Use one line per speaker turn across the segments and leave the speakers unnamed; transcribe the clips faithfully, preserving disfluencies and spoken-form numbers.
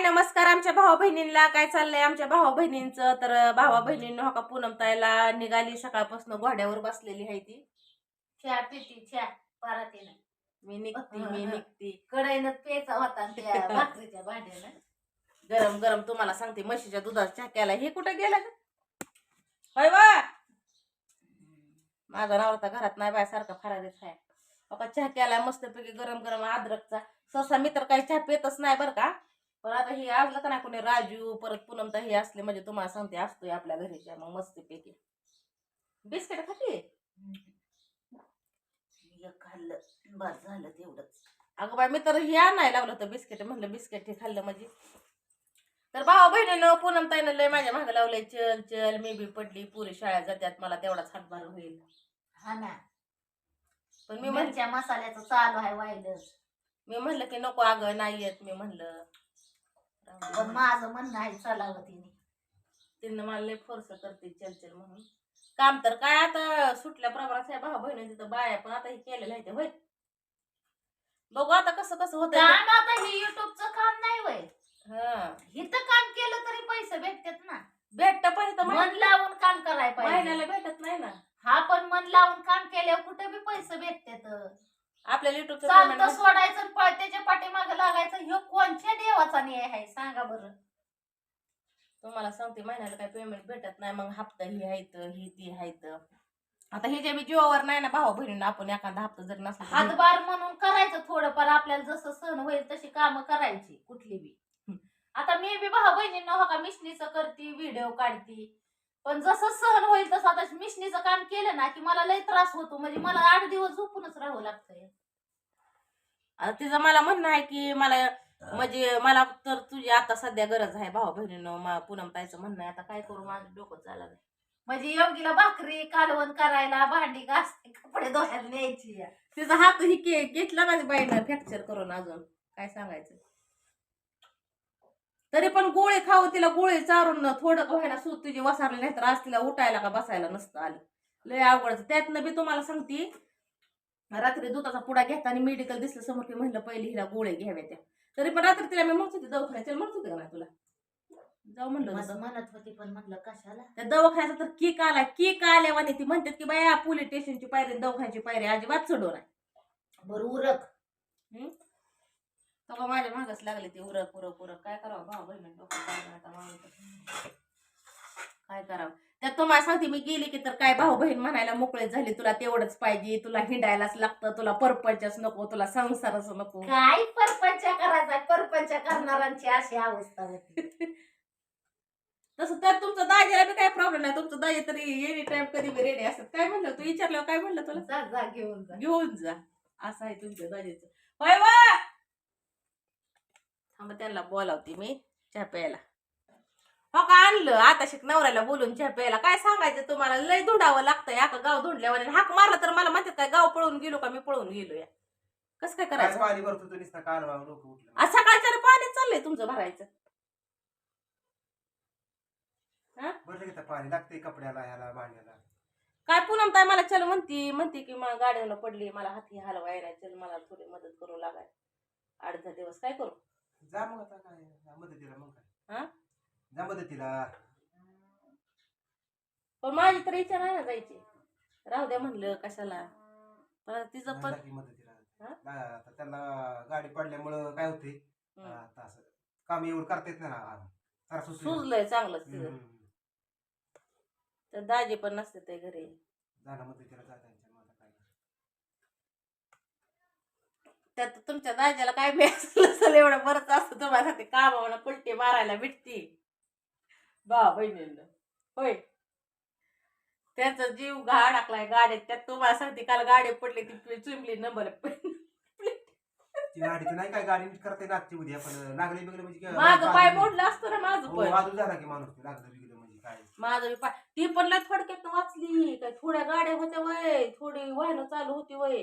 नमस्कार आमच्या भावा बहिणींना. काय चाललंय आमच्या भावा बहिणींचं? तर भावा बहिणींना हो का पूनम ताईला निघाली सकाळपासून घोड्यावर बसलेली आहे ती.
चहा पिती चहा पराते नाही
मी निघती मी निघती
कढईनं प्यायचा होता त्या भाकरीच्या भांड्यानं.
गरम गरम तुम्हाला सांगते म्हशीच्या दुधाचा चहा केला. हे कुठं गेला ग? होय वा माझा नवरा घरात नाही बाय सारखा फरारीच आहे. बघा चहा केला मस्तपैकी गरम गरम अद्रकचा. सहसा मी तर काही चहा पितच नाही बरं का, पण आता हे असलं का नाही कोणी राजू परत पूनम तर हे असले म्हणजे तुम्हाला सांगते असतोय आपल्या घरीच्या मग मस्तपैकी. बिस्किट खाते
एक खाल्लं बस झालं तेवढंच.
अगं बाय मी तर हे आणायला लावलं होतं बिस्किट. म्हणलं बिस्किट हे खाल्लं म्हणजे. तर भावा बहिणीनं पूनम ताईनं लय माझ्या मागं लावलंय चल चल. मी बी पडली पुरी शाळेत जात्यात मला तेवढाच हातभार होईल.
हा ना,
पण मी
मिरच्या मसाल्याचं चालू आहे वाईलच.
मी म्हणलं की नको अगं नाही येत. मी म्हणलं
पण माझं म्हणणं आहे चलावं तिने.
तिनं मला लय फोर्स करते चल चल म्हणून. काम तर काय आता सुटल्या प्रमाणात भावा बहिणी तिथं बाया पण आता हे केलेलं आहे ते होय. बघू आता कसं कसं होतं.
काम आता हे युट्यूबचं काम नाही वय.
हा
इथं काम केलं तरी पैसे भेटतात ना.
भेटत पण इथं
मन लावून काम करायला पाहिजे.
महिन्याला भेटत नाही ना.
हा पण मन लावून काम केल्यावर कुठे बी पैसे भेटतात.
आपल्याला युट्यूबचं
चालतं सोडायचं आणि पळ त्याच्या पाठीमागे लागायचं. ह्यो कोणत्या देवाचा न्याय आहे सांगा बरं.
तुम्हाला सांगते महिन्याला काही पेमेंट भेटत नाही. मग हप्ता ही आहेत ही ती आहेत. आता हे जे बी जीवावर नाही ना भावा बहिणींना आपण एखादा हप्ता जर नसला
हातभार म्हणून करायचं थोडंफार. आपल्याला जसं सण होईल तशी कामं करायची कुठली बी. आता मी बी भाऊ बहिणींना हो का मिशनीचं करते व्हिडिओ काढते. पण जसं सहन होईल तसं आता मिशनीचं काम केलं ना की मला लय त्रास होतो. म्हणजे मला आठ दिवस झोपूनच राहावं लागतंय.
आता तिचं मला म्हणणं आहे की मला म्हणजे मला तर तुझी आता सध्या गरज आहे भावा बहिणीनं. पूनम ताईचं म्हणणं आहे आता काय करू माझं डोकं चाललं.
म्हणजे योगीला भाकरी कालवण करायला भांडी घासते कपडे धुवायला न्यायची.
तिचा हात ही घेतला ना बाईनं फ्रॅक्चर करून. अजून काय सांगायचं. तरी पण गोळी खाऊ तिला गोळी चारून थोडं व्हायला सूत तुझी वसारली नाही तर आज तिला उठायला का बसायला नसतं आलं. लय अवघड. त्यातनं बी तुम्हाला सांगते रात्री दुधाचा पुडा घेता आणि मेडिकल दिसलं समोर की म्हणलं पहिले हिला गोळे घ्याव्या त्या. तरी पण रात्री तिला मी म्हणत होती दवाखान्यात चल म्हणत होते का नाही तुला जाऊ म्हणलं
म्हणत होती पण म्हटलं कशाला.
त्या दवाखान्याचा तर केक आला. केक आल्यावाने ती म्हणतात की बाया पोलीस स्टेशनची पायरी दवाखान्याची पायरी अजिबात चढव नाही.
बरं उरक.
हम्म तेव्हा माझ्या मागच लागले ते उरक उरक उरक. काय करावं भाऊ बहिणी डोकं काय करावं. त्यात तुम्हाला सांगते मी गेली की तर काय भाऊ बहीण म्हणायला मोकळे झाले तुला तेवढंच पाहिजे, तुला हिंडायलाच लागतं, तुला परपंचच नको, तुला संसारच नको.
काय परपंच करायचा. परपंच करणाऱ्यांची अशी अवस्था होती.
तसं तर तुमचं दाजीला बी काय प्रॉब्लेम नाही. तुमचं दाजी तरी एनी टाइम कधी बी रेडी असतात. काय म्हणलं तू विचारल्यावर काय म्हणलं तुला
जा जा घेऊन जा
घेऊन जा असं आहे तुमच्या दाजीचं. होय वा थांबा त्यांना बोलावते मी चहा प्यायला. हो का आणलं आता शिक नवऱ्याला बोलून चहा प्यायला. काय सांगायचं तुम्हाला लय धुंडावं लागतंय. आता गाव धुंडल्यावर हाक मारला तर मला म्हणतात काय गाव पळून गेलो का मी पळून गेलो या. कसं काय करायचं.
पाणी भरतो तू नुसता कान वाहून डोकं उठलं.
आज सकाळच्या पाणी चाललंय तुमचं भरायचं.
बरं घेता पाणी लागते कपड्याला ह्याला भांड्याला.
काय पूनम ताई मला चल म्हणती म्हणते की मला गाडीवर पडली मला हाती हलवाय नाही चल मला थोडी मदत करू लागाय. आठ दहा दिवस काय करू.
जा मग आता काय जा मदतीला मग काय
हा
जा मदतीला.
पण माझी तर इच्छा नाही ना जायची. राहू द्या म्हणलं कशाला. पण तिचं पण
मदतीला आता त्यांना गाडी पडल्यामुळं काय होते आता असं काम एवढं करता येत नाही.
सुजलंय चांगलंच तिचं. तर दाजी पण नसते ते घरी.
जाणं मदतीला जाता काय
त्यात तुमच्या दाज्याला काय मिळालं एवढं बरंच असतं तुम्हाला ते कामाला कुलटी मारायला भेटती बा बहिणींना होय. त्याचा जीव घा टाकलाय गाडीत. त्यात तुम्हाला सांगते काल गाडी पडली ती चुंबली नंबर.
ती गाडी नाही काय गाडी करता नागची उद्या पण लागले बिगले म्हणजे
माझं पाय मोडलं असतं ना माझं पण.
वाजू झाला की माणूस लागलं बिगलं म्हणजे काय
माझं पाय ती पण लय थोडक्यात वाचली. काय थोड्या गाड्या होत्या वय थोडी वाहनं चालू होती वय.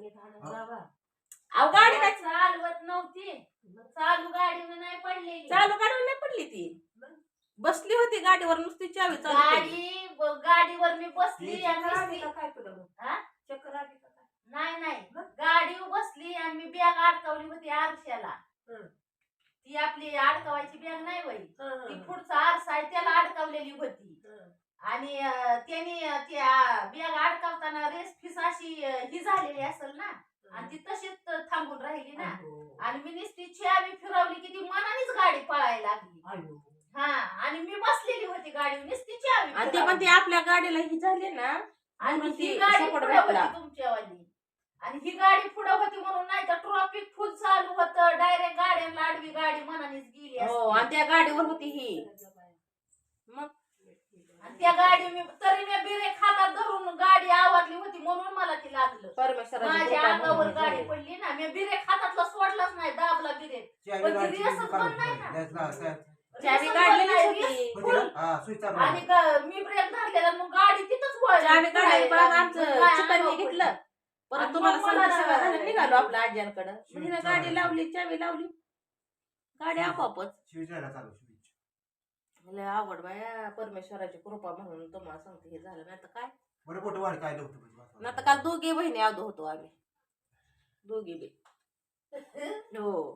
अहो गाडी काय
चालवत नव्हती. चालू गाडी नाही पडली.
चालू गाडीवर नाही पडली ती बसली होती गाडीवर नुसती चावी चालू केली.
गाडी गाडीवर मी बसली आणि
काय तुला
चक्कर आली का नाही नाही गाडीवर बसली आणि मी बॅग अडकवली होती आरशाला. ती आपली अडकवायची बॅग नाही वय ती पुढचा आरसा आहे त्याला अडकवलेली होती आणि अं, त्यांनी अं, त्या बॅग अडकवताना रेस फीस अशी अं, ही झालेली असेल ना आणि ती तशीच थांबून राहिली ना आणि मी नुसती चावी फिरवली की ती मनानेच गाडी पळायला लागली हा आणि मी बसलेली होती गाडी नुसती चावी
आणि ते
फिरवली.
पण ते आपल्या गाडीला ही झाली ना
आणि
म्हणून
ही
ती
गाडी
support
पुढे
भेटला.
होती तुमच्यावाली आणि ही गाडी पुढे होती म्हणून नाही तर ट्रॉफिक फुल चालू होतं डायरेक्ट गाड्यांना आडवी गाडी मनानेच गेली
हो
असती.
आणि त्या गाडीवर होती ही मग
आणि त्या गाडी मी तरी मी ब्रेक हातात धरून गाडी आवरली होती म्हणून मला ती लागलं
परमेश्वराची
माझ्या
कृपा
अंगावर
म्हणून
गाडी
झाली.
पडली ना मी ब्रेक हातातला सोडलाच नाही दाबला ब्रेक
चावी
पण ती
गाडीची
रेसच
काढून
बंद नाही ना.
ठेवायची. त्याच ना- त्या-
चावी
रेसच
काढलेलीच
बंद नाही,
होती.
रेस
होती
फुल.
ना? हा, सुई चालू
आणि
आहे.
ग- मी ब्रेक धरलेला मग गाडी तिथंच वळली.
चावी काढली पण
पुढे
आमचं
लागली. माझ्या
चिकन
अंगावर
घेतलं
पडली.
परत
आणि
तुम्हाला
मग मला
सांगते सगळं झालं निघालो आपल्या आज्यांकडं
शिव
म्हणजे
चालू
गाडी
आहे.
लावली चावी लावली गाडी आपोआपच
शिवी जायला चालू शिवी.
लय आवड बाया परमेश्वराची कृपा म्हणून तुम्हाला सांगते हे झालं नाही तर काय
बरं मोठं वाढ काय नव्हतं
नाही तर काल दोघी बहिणी आदो होतो आम्ही दोघी बी हो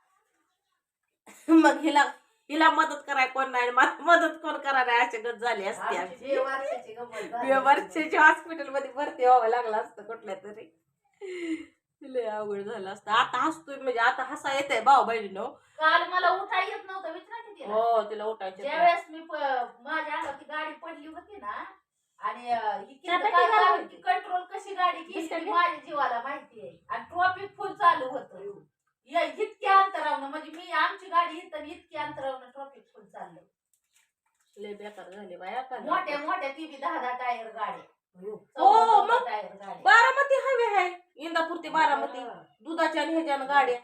मग हिला हिला मदत कराय कोण नाही मला मदत कोण करायला अशी गत झाली असते
आमची
आमची
जे वर्षाची गंमत झाली.
वर्षाच्या हॉस्पिटल मध्ये भरती व्हावं लागलं असतं कुठल्या तरी लय अवघड झालं असतं आता हसतोय म्हणजे आता हसा येत आहे भाऊ बहिणीनो
काल मला उठा येत नव्हतं विचारा की तिला.
हो तिला उठायचे
ज्यावेळेस मी प- माझ्या अंगावर ती गाडी पडली होती ना आणि अं, ही किती
त्यात
काय
किती गाडी
कारण की कंट्रोल कशी गाडी केली
दिसतं
ती
की?
माझ्या जीवाला माहिती आहे आणि ट्रॉफिक फुल चालू होतं या इतक्या अंतरावनं म्हणजे मी आमची गाडी इथं आणि इतक्या अंतरावनं ट्रॉफिक फुल चाललं
लय बेकार झाले बाया का
मोठ्या मोठ्या ती बी दहा दहा टायर गाड्या
हो,
चौदा- चौदा
मग?
टायर गाड्या
बारामती हवे आहे इंदापूर ते बारामती दुधाच्या आणि ह्याच्यानं गाड्या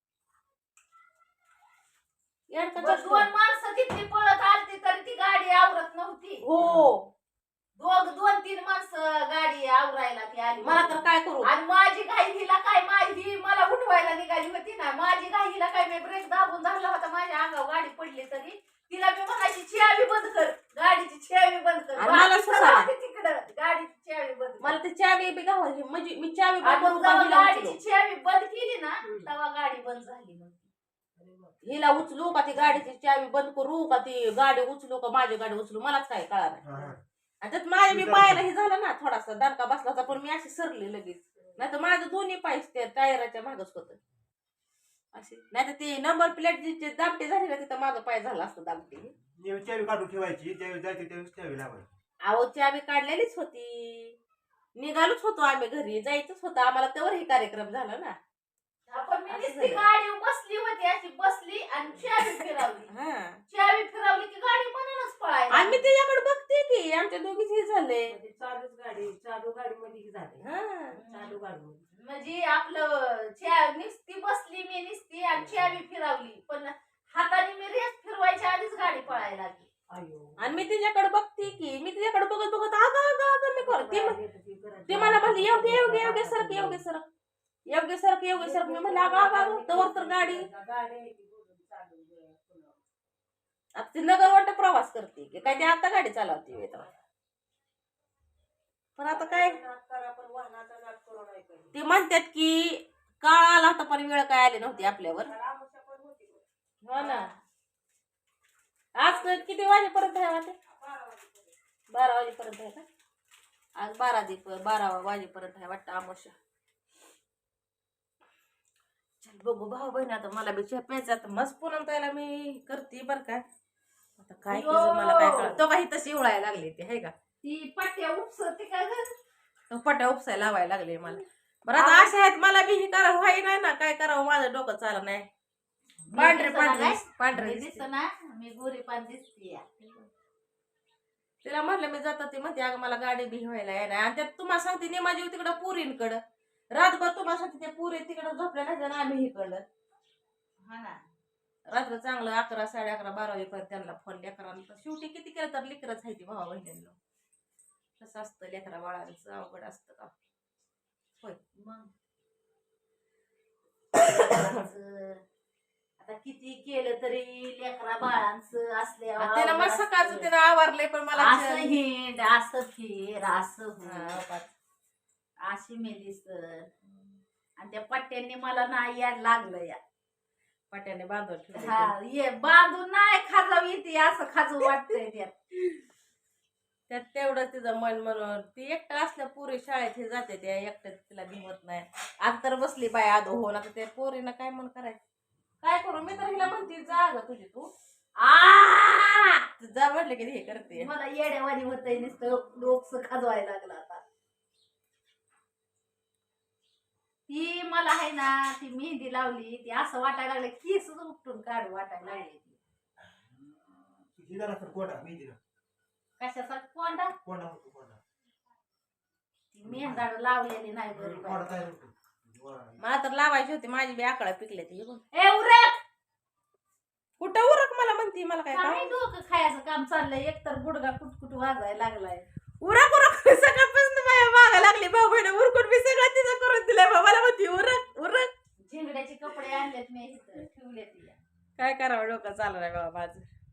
यांचं
बरं,
कसं?
दोन माणसं तिथली पळत आलती तरी ती गाडी आवरत नव्हती
हो
दोघ दोन तीन माणसं गाडी आवरायला ती आली
मला तर काय करू
आणि माझी गाई हिला काय माझी मला उठवायला निघाली होती ना माझी गाई हिला काय मी ब्रेक दाबून धरला होता माझ्या अंगावर गाडी पडली तरी तिला मी म्हणायची चावी बंद कर गाडीची चावी बंद कर
आणि मला
बाकी
सुसायला.
सगळं ते तिकडं गाडीची चावी बंद कर.
मला ते चावी बी गावाची म्हणजे मी चावी
आणि
बंद
मग
करून
जेव्हा
हिला
गाडीची
उचलू.
चावी बंद केली ना तेव्हा गाडी बंद झाली मग
हिला उचलू का ती गाडीची चावी बंद करू का ती गाडी उचलू का माझी गाडी उचलू मलाच काय कळा नाही
हा, हा.
आणि त्यात माझ्या मी पायाला हे झालं ना थोडासा दणका बसला होता पण मी अशी सरली लगेच नाही तर माझं दोन्ही पाय त्या टायराच्या मागच होत असे नाही तर ती नंबर प्लेट जी दाबटी झाली ना तिथं माझं पाय झाला असतं दाबटी
नेहमी चावी काढून ठेवायची ज्यावेळी जायची त्यावेळेस चावी लावायची.
अहो चावी काढलेलीच होती निघालोच होतो आम्ही घरी जायचंच होतं आम्हाला तेव्हा हे कार्यक्रम झाला ना
आपण मी
असं
नुसती
झालं.
गाडी बसली होती अशी बसली आणि चावी फिरवली
हा
चावी फिरवली की गाडी मनानच पळायला
आणि मी त्याच्याकडे बघते की आमच्या दोघीच हे झाले
चालूच गाडी चालू गाडी मध्ये झाले
हा
चालू गाडी मध्ये
म्हणजे आपलं च्या निस्ती बसली मी निस्ती आणि चावी फिरवली पण हाताने मी रेस फिरवायच्या आधीच गाडी पळायला लागली
अयो
आणि मी तिच्याकडे बघते की मी तिच्याकडे बघत बघत अगं अगं अगं मी करते ते मला म्हणली योग्य योग्य योग्य सरक योग्य सरक योग्य सरक योग्य सरक मी म्हणलं अगं अगं अगं तवर तर गाडी आता ती नगर वाटत प्रवास करते की काय ते आता गाडी चालवते वेळ तेव्हा. पण आता काय ते म्हणतात की काळ आला होता पण वेळ काय आली नव्हती आपल्यावर हो ना आज किती वाजेपर्यंत आहे वाटे बारा वाजेपर्यंत आहे का आज बारा दीप बारा वाजेपर्यंत आहे वाटतं आमोशा चल बघू भाऊ बहीण आता मला बी चहा प्यायचा आता मस्त पुन्हा त्याला मी करते बरं का आता काय केलं मला काय कळलं तो काही तशी उळायला लागली ती आहे का
ती पट्ट्या उपसते काय ग
तो पट्या उपसायला लावायला लागले मला बरं आता अशा आहेत मला बी हे करावं व्हाय नाही ना काय करावं माझं डोकं चालत नाही पांढरे पांढरे पांढरे
दिसत ना मी गोरी पान दिसते
तिला म्हटलं मी जातात ती म्हणते अगं मला गाडी बी व्हायला आहे ना आणि त्यात तुम्हाला सांगते नेमाजी तिकडं पुरींकडं रातभर तुम्हाला सांगते ते पुरी तिकडं झोपल्या नाही ना आम्ही इकडं
हा ना
रात्र चांगलं अकरा साडे अकरा बारा वाजेपर्यंत त्यांना फोन लेकरांना शेवटी किती केलं तर लेकरच आहे ती भावा बहिणींना कसं असतं लेकरा बाळांचं अवघड असतं का होय
मग आता किती केलं तरी लेकरा बाळांचं असल्यावर
त्याला मग सकाळचं त्यानं आवारलंय पण मला
असं हिंड असं फिर असं
हा,
हो
पाच.
अशी मेली सर आणि त्या पट्ट्यांनी मला नाही यायला लागलं या
पाट्याने बांधून ठेवले
हा ये बांधून नाही खाजावी ती असं खाजू वाटतंय त्यात.
त्यात तेवढं तिचं मन म्हणून ती एकटं असल्या पोरी शाळेत हे जाते त्या एकट्या तिला भिवत नाही. आज तर बसली बाय आदो होऊन आता त्या पोरीनं काय मन करायचं काय करू मी तर हिला म्हणते जा ग तुझी तू
आ
जा म्हटलं की हे करते.
मला येड्यावानी होतंय नुसतं डोकसं खाजवायला लागलं आता. ती मला आहे ना ती मेहंदी लावली ती असं वाटायला लागलं केस उपटून काढ वाटायला लागले ती.
किती जण असतात कोंडा मी दिला
कशासाठी कोंडा
कोंडा होतो कोंडा
ती मेहंदाड लावलेली नाही
कोंडा
बरोबर.
तयार होतो.
मला तर लावायची होती माझी बी आकडा पिकले ती
ए उरक
कुठं उरक मला म्हणती मला काय
काय
काम?
डोकं खायचं काम चाललंय एकतर गुडगा कुटकुट वाजायला लागलाय.
उरक उरक सकाळपासून माझ्या मागा लागली भाऊ बहिणी उरकून मी सगळं तिचं करून दिलंय बा. मला म्हणती उरक उरक
झेंगड्याचे कपडे आणलेत मी इथं ठेवलेत या.
काय करावं डोकं चालू नाही बाबा माझं.